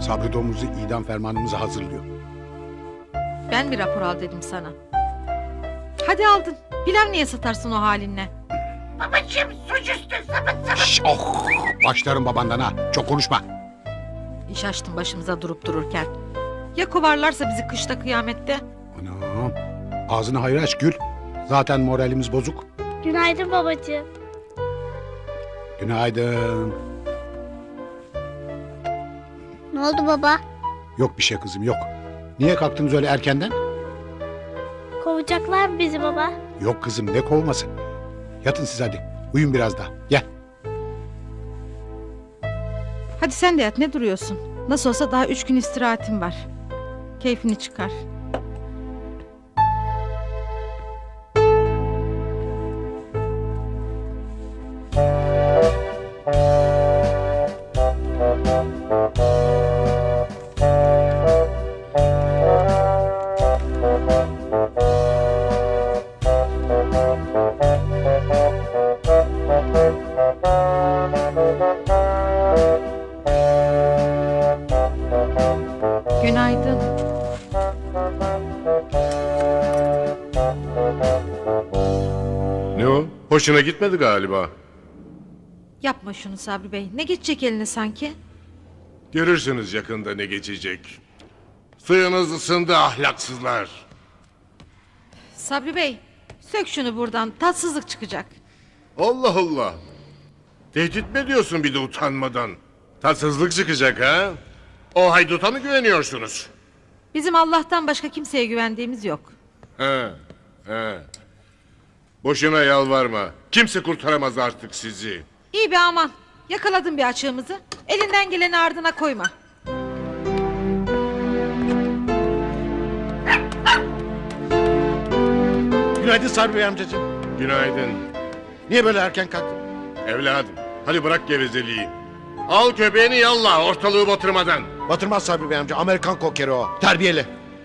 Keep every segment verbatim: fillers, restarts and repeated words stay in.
Sabri Domuz'u idam fermanımızı hazırlıyor. Ben mi rapor al dedim sana? Hadi aldın. Pilav niye satarsın o halinle? Babacığım suçüstü sapıt sapıt. Şş, oh! Başlarım babandan ha. Çok konuşma. İş açtın başımıza durup dururken. Ya kovarlarsa bizi kışta kıyamette? Anam. Ağzını hayır aç Gül. Zaten moralimiz bozuk. Günaydın babacığım. Günaydın. Ne oldu baba? Yok bir şey kızım yok. Niye kalktınız öyle erkenden? Kovacaklar mı bizi baba? Yok kızım ne kovması. Yatın siz hadi. Uyun biraz daha. Gel. Hadi sen de yat, ne duruyorsun? Nasıl olsa daha üç gün istirahatin var. Keyfini çıkar. Günaydın. Ne o? Hoşuna gitmedi galiba. Yapma şunu Sabri Bey. Ne geçecek eline sanki? Görürsünüz yakında ne geçecek. Suyunuz ısındı ahlaksızlar. Sabri Bey, sök şunu buradan. Tatsızlık çıkacak. Allah Allah. Tehdit mi ediyorsun bir de utanmadan? Tatsızlık çıkacak ha? O hayduta mı güveniyorsunuz? Bizim Allah'tan başka kimseye güvendiğimiz yok. He, he. Boşuna yalvarma. Kimse kurtaramaz artık sizi. İyi be aman. Yakaladın bir açığımızı. Elinden geleni ardına koyma. Günaydın Sabri Bey amcacığım. Günaydın. Niye böyle erken kalktın? Evladım, hadi bırak gevezeliği. Al köpeğini yallah ortalığı batırmadan. Batırmaz Sabri Bey amca. Amerikan kokeri o. Terbiyeli.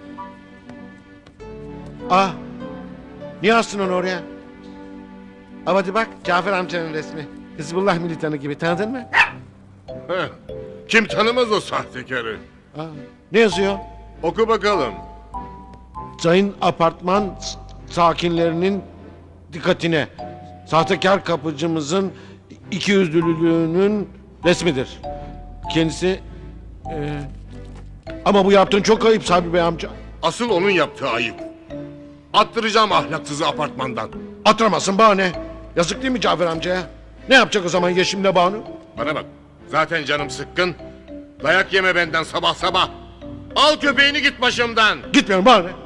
Ah. Niye astın onu oraya? Ama hadi bak Cafer amcanın resmi. Hizbullah militanı gibi, tanıdın mı? Heh. Kim tanımaz o sahtekarı? Aa, ne yazıyor? Oku bakalım. Sayın apartman s- sakinlerinin dikkatine. Sahtekar kapıcımızın ikiyüzlülüğünün resmidir. Kendisi... e, ama bu yaptığın çok ayıp Sabri Bey amca. Asıl onun yaptığı ayıp. Attıracağım ahlaksızı apartmandan. Atıramazsın bahane. Yazık değil mi Cafer amcaya? Ne yapacak o zaman Yeşim'le Banu? Bana bak. Zaten canım sıkkın. Dayak yeme benden sabah sabah. Al köpeğini git başımdan. Gitmiyorum bahane.